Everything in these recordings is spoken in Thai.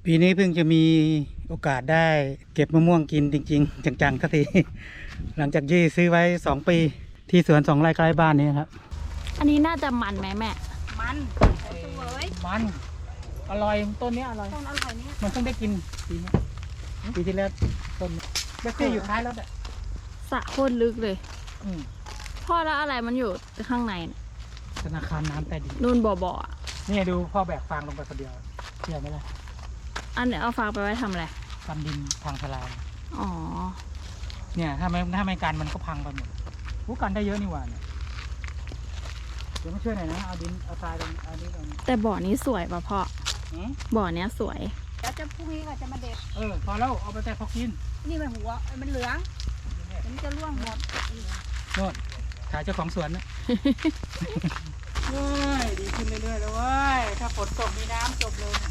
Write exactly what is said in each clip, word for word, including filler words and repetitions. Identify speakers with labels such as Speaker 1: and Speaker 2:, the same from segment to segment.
Speaker 1: ปีนี้เพิ่งจะมีโอกาสได้เก็บมะม่วงกินจริงๆจังๆสักทีหลังจากยี่ซื้อไว้สองปีที่สวนสองไร่ใกล้บ้านนี้ครับ
Speaker 2: อันนี้น่าจะมันไหมแม่
Speaker 3: มันสวย
Speaker 1: มันอร่อยต้นนี้อร่อย
Speaker 3: ต้นอร่อยเนี่ย
Speaker 1: มันเพิ่งได้กินปีนี้ปีที่แล้วต้นแบคทีอยู่ท้ายรถอ่ะ
Speaker 2: สระโคตรลึกเลย
Speaker 1: อืม
Speaker 2: พ่อแล้วอะไรมันอยู่ข้างใน
Speaker 1: ธนาคารน้ำใต้ดิน
Speaker 2: นู่นบ่อๆอ่ะ
Speaker 1: นี่ดูพ่อแบกฟางลงไปคนเดียวเชื่อไหมล่ะ
Speaker 2: อันเนี้ยเอาฟางไปไว้ทำอะไร
Speaker 1: กันดินทางทลาย
Speaker 2: อ๋อ
Speaker 1: เนี่ยถ้าไม่ถ้าไม่กันมันก็พังไปหมดผู้กันได้เยอะนี่หว่าเนี่ยเดี๋ยวมาช่วยหน่อยนะเอาดินเอาทรายตรงเอานี้ตรงนี้
Speaker 2: แต่บ่อนี้สวยป่ะพ่อบ่อเนี้ยสวย
Speaker 3: แล้วจะพรุ่งนี้ก็จะมาเด็ด
Speaker 1: เออพอแล้วเอาไปแต่พอกิน
Speaker 3: นี่มันหัวมันเหลืองมันจะร่วงหมด
Speaker 1: โน่นถ่ายเจ้าของสวนนะเว้ยดีขึ้นเรื่อยๆแล้วเว้ยถ้าฝนตกมีน้ำจบเลย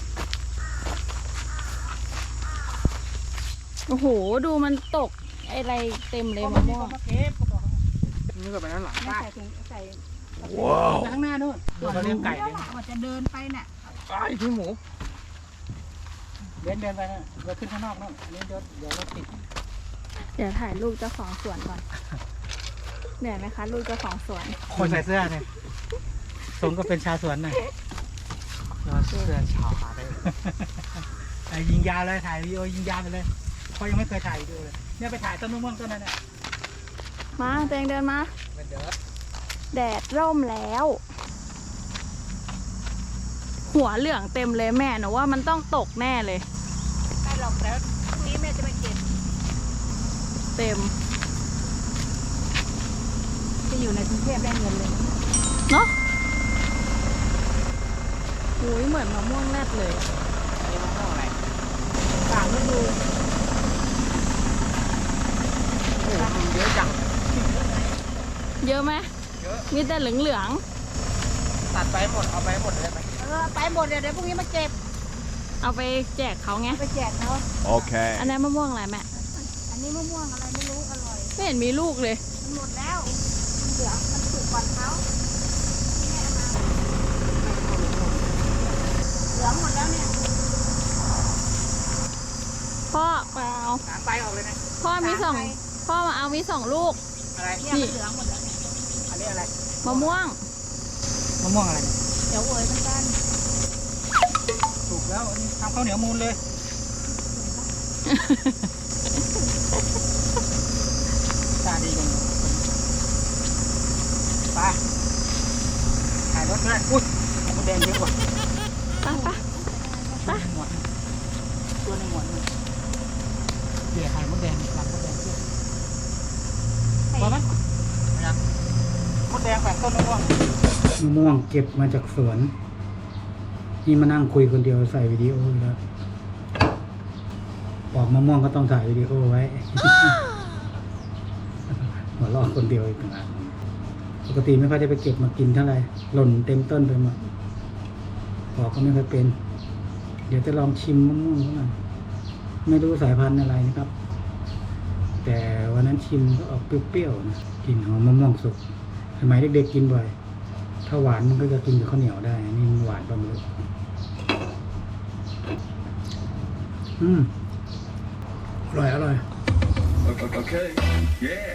Speaker 2: โอ้โหดูมันตกอะไรเต็มเลยมะม่วง
Speaker 1: นี่ก็ไปด้านหลังบ้าน
Speaker 3: ใส่ถุงใส่
Speaker 1: ว้าวข้างหน้านู่นเราเลี้ยงไก่เลย
Speaker 3: ว่าจะเดินไปน่ะ
Speaker 1: ไก่ที่หมูเดินเดินไปนะเราขึ้นข้างนอกนู่นอันนี้เดี๋ยวเดี๋ยวเราติด
Speaker 2: เดี๋ยวถ่ายรูปเจ้าของสวนก่อนเหนื่อยไหมคะลูกเจ้าของสวน
Speaker 1: คนใส่เสื้อเนี่ยสมก็เป็นชาวสวนหน่อยเสื้อชาวเลยยิงยาวเลยถ่ายวิดีโอยิงยาวไปเลยเพราะยังไม่เคยถ่ายวิดีโอเลยเนี่ยไปถ่ายต้นมะม่วงต้นนั้นน่ะ
Speaker 2: มาเตงเดินมาแดดร่มแล้วหัวเหลืองเต็มเลยแม่หนูว่ามันต้องตกแน่เลย
Speaker 3: ไม่หรอกแล้วพรุ่งนี้แม่จะไปเก็บ
Speaker 2: เต็ม
Speaker 3: จะอยู่ในกรุงเทพได้เงินเลย
Speaker 2: เนาะโอ้ยเหมือนมะม่วงแรดเลย
Speaker 1: อันนี้มะม่วงอะไร
Speaker 3: ต่างฤดู
Speaker 1: เยอะจัง
Speaker 2: เยอะไหม
Speaker 1: เยอะ
Speaker 2: มีแต่เหลืองเหลือง
Speaker 1: ตัดไปหมดเอาไปหมดเลยไหม
Speaker 3: เออไปหมดเดี๋ยวเดี๋ยวพรุ่งนี้มาเก็บ
Speaker 2: เอาไปแจกเขาไง
Speaker 3: ไปแจกเขา
Speaker 4: โอเค
Speaker 2: อันนี้มะม่วงอะไรแม่
Speaker 3: อันนี้มะม่วงอะไรไม่รู้อร่อย
Speaker 2: ไม่เห็นมีลูกเลย
Speaker 3: มันหมดแล้วมันเหลืองมันสุกก่อนเขาเหลืองหมดแล้วเนี่ย
Speaker 2: พ่อเปล่า
Speaker 1: หางใบออกเลยนะ
Speaker 2: พ่อมีสองพ่อมาเอามีสองลูก
Speaker 1: อะไร
Speaker 3: นี่เหลืองหมดแล้ว
Speaker 1: อันนี้อะไร
Speaker 2: มะม่วง
Speaker 1: มะม่วงอะไร
Speaker 3: เดี๋ยวเอ๋ยเหมือนกัน
Speaker 1: ถูกแล้วอันนี้ทำข้าวเหนียวมูลเลยตาดีจังไปถ่ายรถเลยอุ้ยมันแดงเยอะกว่า
Speaker 2: ไปไปไป
Speaker 1: ตัวในหมวนเดี๋ยวถ่ายมดแดงหลังมดแดงเยอะพอไหมยังมดแดงแฝงต้นมะม่วงมะม่วงเก็บมาจากสวนนี่มานั่งคุยคนเดียวใส่วิดีโอแล้วปอกมะม่วงก็ต้องถ่ายวิดีโอไว้ หัวเราะคนเดียวอีกต่างหากปกติไม่ค่อยได้ไปเก็บมากินเท่าไหร่หล่นเต็มต้นไปหมดปอกก็ไม่ค่อยเป็นเดี๋ยวจะลองชิมมะม่วงหน่อยไม่รู้สายพันธุ์อะไรนะครับแต่วันนั้นชิมก็ออกเปรี้ยวๆนะกลิ่นหอมมะม่วงสุกสมัยเด็กๆกินบ่อยถ้าหวานมันก็จะกินกับข้าวเหนียวได้นี่หวานประมาณอืมอร่อยอร่อย
Speaker 4: Okay. Yeah.